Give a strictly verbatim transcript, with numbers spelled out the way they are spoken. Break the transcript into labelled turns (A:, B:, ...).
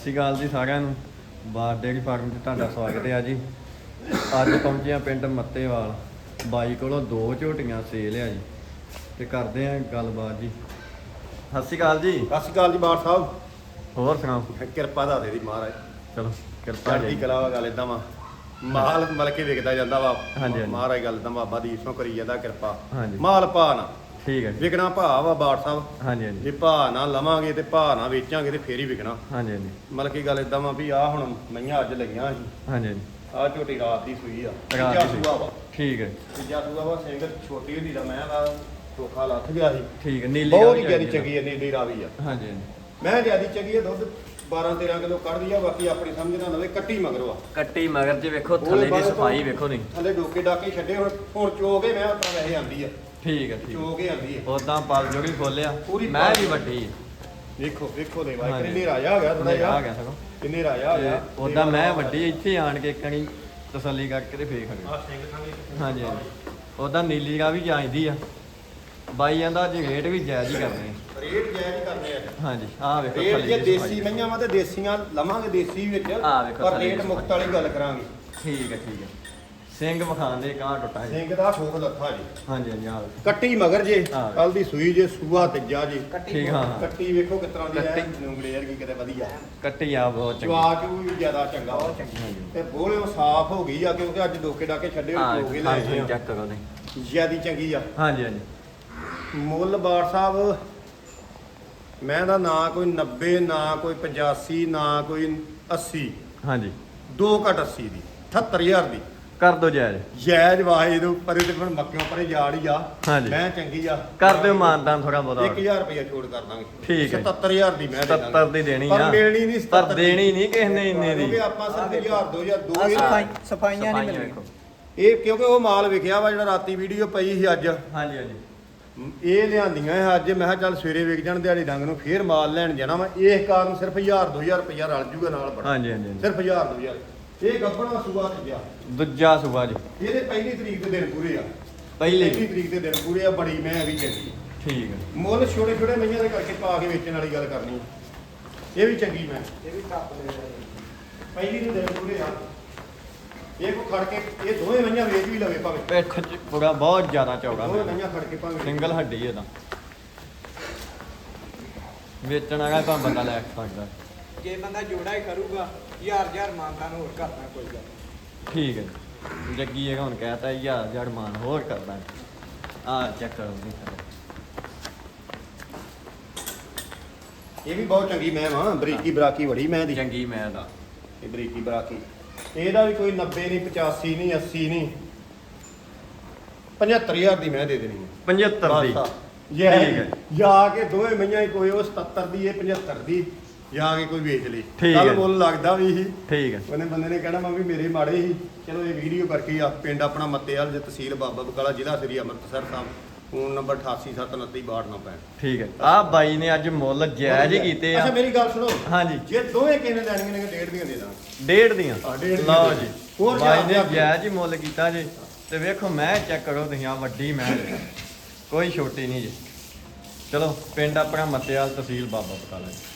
A: ਸਤਿ ਸ਼੍ਰੀ ਅਕਾਲ ਜੀ ਸਾਰਿਆਂ ਨੂੰ। ਬਾਰ ਡੇਅਰੀ ਫਾਰਮ 'ਚ ਤੁਹਾਡਾ ਸਵਾਗਤ ਹੈ ਜੀ। ਅੱਜ ਪਹੁੰਚੇ ਆ ਪਿੰਡ ਮੱਤੇਵਾਲ। ਬਾਈ ਕੋਲੋਂ ਦੋ ਝੋਟੀਆਂ ਸੇਲ ਆ ਜੀ ਤੇ ਕਰਦੇ ਆ ਗੱਲਬਾਤ ਜੀ। ਸਤਿ ਸ਼੍ਰੀ ਅਕਾਲ ਜੀ।
B: ਸਤਿ ਸ਼੍ਰੀ ਅਕਾਲ ਜੀ ਬਾਠ ਸਾਹਿਬ।
A: ਹੋਰ ਸੁਣਾਓ?
B: ਕਿਰਪਾ ਦਾ ਦੇ ਦੀ ਮਹਾਰਾਜ।
A: ਚਲੋ ਕਿਰਪਾ
B: ਚੜ੍ਹਦੀ
A: ਜੀ।
B: ਕਲਾ ਵਾ ਗੱਲ ਇਦਾਂ ਵਾ, ਮਾਲ ਮਲ ਕੇ ਵਿਕਦਾ ਜਾਂਦਾ ਵਾ।
A: ਹਾਂਜੀ, ਹਾਂਜੀ।
B: ਮਹਾਰਾਜ ਗੱਲ ਇਦਾਂ ਬਾਬਾ ਦੀ ਇਸੋਂ ਕਰੀ ਜਾਂਦਾ ਕਿਰਪਾ।
A: ਹਾਂਜੀ।
B: ਮਾਲ ਭਾ ਨਾ
A: ਠੀਕ ਹੈ ਜੀ।
B: ਵਿਕਣਾ ਭਾ ਵਾ ਬਾਠ ਸਾਹਿਬ।
A: ਹਾਂਜੀ ਹਾਂਜੀ
B: ਜੇ ਭਾ ਨਾ ਲਵਾਂਗੇ ਤੇ ਭਾ ਨਾ ਵੇਚਾਂਗੇ ਤੇ ਫੇਰ ਹੀ ਵਿਕਣਾ।
A: ਹਾਂਜੀ ਹਾਂਜੀ
B: ਮਤਲਬ ਕੀ ਗੱਲ ਇਦਾਂ ਵਾ ਵੀ ਆ ਹੁਣ ਮਈਆਂ ਅੱਜ ਲਈਆਂ ਸੀ।
A: ਹਾਂਜੀ ਹਾਂਜੀ
B: ਆ ਝੋਟੀ ਰਾਤ ਦੀ ਸੂਈ ਆ।
A: ਰਾਤ
B: ਤੀਜਾ
A: ਦੀ ਸੂਈ।
B: ਸੂਆ ਵਾ।
A: ਠੀਕ ਹੈ
B: ਤੀਜਾ ਸੂਆ ਵਾ। ਸਿੰਘ ਛੋਟੀ ਹੁੰਦੀ ਦਾ ਮੈਂ ਦਾ ਧੋਖਾ ਲੱਥ ਗਿਆ ਸੀ।
A: ਠੀਕ ਹੈ। ਨੀਲੀ
B: ਬਹੁਤ ਹੀ
A: ਰਾਵੀ
B: ਜਿਆਦੀ
A: ਆ।
B: ਚੰਗੀ ਹੈ, ਨੀਲੀ ਰਾਵੀ ਆ।
A: ਹਾਂਜੀ ਹਾਂਜੀ
B: ਮੈਂ ਜਿਆਦੀ ਚੰਗੀ ਆ, ਦੁੱਧ ਬਾਰਾਂ ਤੇਰਾਂ ਕਿਲੋ ਕੱਢਦੀ ਆ। ਬਾਕੀ ਆਪਣੀ ਸਮਝ ਨਾਲ ਨਵੇਂ ਕੱਟੀ ਮਗਰੋਂ ਆ।
A: ਕੱਟੀ ਮਗਰ ਜੇ ਵੇਖੋ ਥੱਲੇ ਦੀ ਸਫਾਈ ਵੇਖੋ ਨਹੀਂ।
B: ਥੱਲੇ ਡੋਕੇ ਡਾਕੇ ਛੱਡੇ ਹੁਣ ਹੁਣ ਚੋਗੇ ਮੈਂ ਉਤਰਾ ਵੈਸੇ ਆਂਦੀ ਆ।
A: ਠੀਕ ਹੈ ਠੀਕ
B: ਚੋਗੇ ਆਂਦੀ ਆ।
A: ਉਦਾਂ ਪਲ ਜੋੜੀ ਖੋਲਿਆ
B: ਪੂਰੀ
A: ਮੈਂ
B: ਪਲ
A: ਵੀ ਵੱਡੀ
B: ਵੇਖੋ ਵੇਖੋ ਦੇ ਵਾਈ
A: ਹਾਂਜੀ।
B: ਕਿੰਨੇ ਰਾਜਾ ਹੋ ਗਿਆ ਥੋੜਾ ਜਿਹਾ।
A: ਆ ਗਿਆ ਸਗੋਂ।
B: ਕਿੰਨੇ ਰਾਜਾ ਹੋ ਗਿਆ।
A: ਉਦਾਂ ਮੈਂ ਵੱਡੀ ਇੱਥੇ ਆਣ ਕੇ ਕਣੀ ਤਸੱਲੀ ਕਰਕੇ ਤੇ ਫੇਰ ਖੜੇ।
B: ਆ ਸਿੰਘ ਸਾਹਮਣੇ
A: ਹਾਂਜੀ ਹਾਂਜੀ ਉਦਾਂ ਨੀਲੀ ਗਾ ਵੀ ਜਾਂਦੀ ਆ। ਬਾਈ ਜਾਂਦਾ ਅੱਜ ਰੇਟ ਵੀ ਜਾਇਜ਼ ਹੀ ਕਰਨੇ ਆ।
B: ਰੇਟ ਜਾਇਜ਼ ਹੀ ਕਰਨੇ ਆ।
A: ਹਾਂਜੀ ਆਹ ਵੇਖੋ
B: ਰੇਟ ਜੇ
A: ਦੀ
B: ਦੇਸੀ
A: ਸਫਾਈ।
B: ਮਈਆਂ ਵਾ ਤੇ ਦੇਸੀਆਂ ਲਵਾਂਗੇ ਦੇਸੀ ਵਿੱਚ।
A: ਆਹ ਵੇਖੋ
B: ਪਰ
A: ਥੱਲੇ
B: ਰੇਟ
A: ਦੀ
B: ਮੁਕਤ ਵਾਲੀ ਗੱਲ ਕਰਾਂਗੇ।
A: ਠੀਕ ਹੈ ਠੀਕ ਹੈ। ਸਿੰਘ ਵਿਖਾਣ ਦੇ ਕਾਂ ਟੁੱਟਾ ਜੀ।
B: ਸਿੰਘ ਦਾ ਸ਼ੋਕ ਲੱਥਾ ਜੀ।
A: ਹਾਂਜੀ ਹਾਂਜੀ ਆਹ ਵੇਖੋ।
B: ਕੱਟੀ ਮਗਰ ਜੇ
A: ਹਾਂ।
B: ਕੱਲ ਦੀ ਸੂਈ ਜੇ ਸੂਆ ਤੀਜਾ ਜੇ।
A: ਠੀਕ ਹਾਂ ਹਾਂ
B: ਕੱਟੀ ਵੇਖੋ ਕਿਸ ਤਰ੍ਹਾਂ ਦੀ ਹੈ।
A: ਕੱਟੀ।
B: ਉਂਗਲੇ ਵਰਗੀ ਕਿਤੇ ਵਧੀਆ।
A: ਕੱਟੀ ਆ ਬਹੁਤ ਚੰਗੀ।
B: ਜਵਾਕ ਵੀ ਜ਼ਿਆਦਾ ਚੰਗਾ ਵਾ।
A: ਹਾਂਜੀ
B: ਤੇ ਬੋਲੇ ਸਾਫ਼ ਹੋ ਗਈ ਆ ਕਿਉਂਕਿ ਅੱਜ ਡੋਕੇ ਡਾਕੇ ਛੱਡੇ
A: ਹਾਂ
B: ਹੋ ਗਏ ਲੈ ਆਏ ਆ।
A: ਚੈੱਕ ਕਰੋ ਨਹੀਂ।
B: ਜਿਆਦੀ ਚੰਗੀ ਆ।
A: ਹਾਂਜੀ ਹਾਂਜੀ
B: ਮੁੱਲ ਬਾਠ ਸਾਹਿਬ ਮੈਂ ਦਾ ਨਾ ਕੋਈ ਨੱਬੇ ਨਾ ਕੋਈ ਪਚਾਸੀ ਨਾ ਕੋਈ ਅੱਸੀ।
A: ਹਾਂਜੀ
B: ਦੋ ਘੱਟ ਅੱਸੀ ਦੀ ਅਠੱਤਰ ਹਜ਼ਾਰ ਦੀ
A: ਕਰ ਦੋ ਜਾਇਜ਼।
B: ਜਾਇਜ਼ ਵਾਹੇ ਦੇ ਪਰੇ ਤੇ ਫਿਰ ਮੱਕਿਓਂ ਪਰੇ ਜਾੜ ਹੀ ਆ।
A: ਹਾਂਜੀ।
B: ਮੈਂ ਚੰਗੀ ਆ।
A: ਕਰ ਦਿਓ ਮਾਨਦਾਨ ਥੋੜਾ ਬਹੁਤਾ।
B: ਇੱਕ ਹਜ਼ਾਰ ਰੁਪਇਆ ਛੋੜ ਕਰ ਦਾਂਗੇ।
A: ਠੀਕ ਹੈ।
B: ਸਤੱਤਰ ਹਜ਼ਾਰ ਦੀ ਮੈਂ ਦੇ ਦਾਂਗਾ।
A: ਸੱਤਰ ਦੀ ਦੇਣੀ
B: ਪਰ
A: ਆ।
B: ਮਿਲਣੀ ਨਹੀਂ
A: ਪਰ
B: ਸਤੱਤਰ
A: ਦੇਣੀ ਨਹੀਂ ਕਿਸੇ ਨੇ ਇੰਨੇ ਦੀ।
B: ਕਿਉਂਕਿ ਆਪਾਂ ਸਿਰਫ ਹਜ਼ਾਰ ਦੋ ਹਜ਼ਾਰ ਦੋ
C: ਆਹ
B: ਹੀ
C: ਸਫਾਈ ਸਫਾਈਆਂ ਨਹੀਂ
A: ਵੇਖੋ।
C: ਮਿਲਣੀਆਂ।
B: ਇਹ ਕਿਉਂਕਿ ਉਹ ਮਾਲ ਵਿਖਿਆ ਵਾ ਜਿਹੜਾ ਰਾਤੀ ਵੀਡੀਓ ਪਈ ਸੀ ਅੱਜ।
A: ਹਾਂਜੀ ਹਾਂਜੀ
B: ਇਹ ਲਿਆਂਦੀਆਂ ਇਹ ਅੱਜ ਮੈਂ ਕਿਹਾ ਚੱਲ ਸਵੇਰੇ ਵਿਕ ਜਾਣ ਦਿਹਾੜੀ ਡੰਗ ਨੂੰ ਫੇਰ ਮਾਲ ਲੈਣ ਜਾਣਾ ਵਾ। ਇਸ ਕਾਰਨ ਸਿਰਫ ਹਜ਼ਾਰ ਦੋ ਹਜ਼ਾਰ ਰੁਪਇਆ ਰਲ ਜੂਗਾ ਨਾਲ ਬੜਾ।
A: ਹਾਂਜੀ ਹਾਂਜੀ ਹਾਂਜੀ।
B: ਸਿਰਫ ਹਜ਼ਾਰ ਦੋ ਹਜ਼ਾਰ। ਇਹ ਗੱਬਣਾ ਸੂਆ ਤੇ ਗਿਆ।
A: ਦੂਜਾ ਸੁਬਾ ਜੀ।
B: ਇਹਦੇ ਪਹਿਲੀ ਤਰੀਕ ਦੇ ਦਿਨ ਪੂਰੇ ਆ।
A: ਪਹਿਲੀ
B: ਪਹਿਲੀ ਤਰੀਕ ਦੇ ਦਿਨ ਪੂਰੇ ਆ। ਬੜੀ ਮੈਂ ਵੀ ਚੰਗੀ।
A: ਠੀਕ ਹੈ।
B: ਮੁੱਲ ਛੋਟੇ ਛੋਟੇ ਮਈਆਂ ਦੇ ਕਰਕੇ ਪਾ ਕੇ ਵੇਚਣ ਵਾਲੀ ਗੱਲ ਕਰਨੀ। ਇਹ ਵੀ ਚੰਗੀ ਮੈਂ
C: ਇਹ ਵੀ ਟੱਪ ਲੈ
B: ਪਹਿਲੀ ਦੇ ਦਿਨ ਪੂਰੇ ਆ। ਇਹ ਕੋ ਖੜ ਕੇ ਇਹ ਦੋਵੇਂ ਮਈਆਂ ਵੇਚ ਵੀ ਲਵੇ ਭਾਵੇਂ।
A: ਪਿੱਠ ਚ ਪੂਰਾ ਬਹੁਤ ਜ਼ਿਆਦਾ ਚੌੜਾ
B: ਦੋਵੇਂ ਮਈਆਂ ਖੜ ਕੇ ਭਾਵੇਂ
A: ਸਿੰਗਲ ਹੱਡੀ ਇਹਦਾ। ਵੇਚਣ ਵਾਲਾ ਤਾਂ ਬੰਦਾ ਲੈ ਸਕਦਾ।
C: ਜੇ ਬੰਦਾ ਜੋੜਾ ਹੀ ਕਰੂਗਾ ਹਜ਼ਾਰ ਹਜ਼ਾਰ ਮਾਨਤਾ ਨੂੰ ਹੋਰ ਕਰਨਾ ਕੋਈ ਗੱਲ ਨਹੀਂ।
A: ਠੀਕ ਹੈ ਜੀ। ਜੱਗੀ ਇਹ ਹੁਣ ਕਹਿਤਾ ਹਜ਼ਾਰ ਹਜ਼ਾਰ ਮਾਨ ਹੋਰ ਕਰਦਾ। ਆ ਚੈੱਕ ਕਰੋ ਜੀ।
B: ਇਹ ਵੀ ਬਹੁਤ ਚੰਗੀ ਮੈਂ ਵਾਂ। ਬਰੀਕੀ ਬਰਾਕੀ ਬੜੀ ਮੈਂ ਦੀ।
A: ਚੰਗੀ ਮੈਂ ਦਾ।
B: ਇਹ ਬਰੀਕੀ ਬਰਾਕੀ ਇਹਦਾ ਵੀ ਕੋਈ ਨੱਬੇ ਨਹੀਂ ਪਚਾਸੀ ਨਹੀਂ ਅੱਸੀ ਨਹੀਂ ਪਝੱਤਰ ਹਜ਼ਾਰ ਦੀ ਮੈਂ ਦੇ ਦੇਣੀ ਹੈ।
A: ਪਝੱਤਰ ਦੀ।
B: ਬਸ ਆ।
A: ਠੀਕ
B: ਜੇ
A: ਹੈ।
B: ਜਾ ਕੇ ਦੋਵੇਂ ਮਈਆਂ ਹੀ ਕੋਈ ਉਹ ਸਤੱਤਰ ਦੀ ਇਹ ਪਝੱਤਰ ਦੀ ਜਾ ਕੇ ਕੋਈ ਵੇਚ ਲਈ।
A: ਠੀਕ
B: ਕੱਲ
A: ਹੈ।
B: ਮੁੱਲ ਲੱਗਦਾ ਵੀ ਸੀ।
A: ਠੀਕ ਹੈ।
B: ਉਹਨੇ ਬੰਦੇ ਨੇ ਕਹਿਣਾ ਮੈਂ ਵੀ ਮੇਰੇ ਮਾੜੇ ਸੀ। ਚਲੋ ਇਹ ਵੀਡੀਓ ਕਰਕੇ ਆ। ਪਿੰਡ ਆਪਣਾ ਮੱਤੇਵਾਲ, ਤਹਿਸੀਲ ਬਾਬਾ ਬਕਾਲਾ, ਜ਼ਿਲ੍ਹਾ ਸ੍ਰੀ ਅੰਮ੍ਰਿਤਸਰ ਸਾਹਿਬ। ਫੋਨ ਨੰਬਰ ਅਠਾਸੀ ਸੱਤ ਉਨੱਤੀ ਬਾਹਠ ਨੌ ਪੈਂਹਠ।
A: ਠੀਕ ਹੈ। ਆ ਬਾਈ ਨੇ ਅੱਜ ਮੁੱਲ ਜਾਇਜ਼ ਹੀ ਕੀਤੇ ਆ।
B: ਅੱਛਾ ਮੇਰੀ ਗੱਲ ਸੁਣੋ।
A: ਹਾਂਜੀ
B: ਜੇ ਦੋਵੇਂ ਕਿਸੇ ਨੇ ਲੈਣੀਆਂ ਨੇ ਡੇਢ ਦੀਆਂ ਦੇ ਦਾਂਗੇ।
A: ਡੇਢ ਦੀਆਂ।
B: ਹਾਂ, ਡੇਢ ਦੀਆਂ
A: ਲਓ
B: ਦੇ
A: ਜੀ।
B: ਹੋਰ
A: ਬਾਈ ਨੇ
B: ਜਾਇਜ਼
A: ਜਾਇਜ਼ ਹੀ ਮੁੱਲ ਕੀਤਾ ਜੀ। ਤੇ ਵੇਖੋ ਮੈਂ ਚੈੱਕ ਕਰੋ ਤੁਸੀਂ ਆ ਵੱਡੀ ਮੈਂ ਕੋਈ ਛੋਟੀ ਨਹੀਂ ਜੀ। ਚਲੋ ਪਿੰਡ ਆਪਣਾ ਮੱਤੇਵਾਲ, ਤਹਿਸੀਲ ਬਾਬਾ ਬਕਾਲਾ ਜੀ।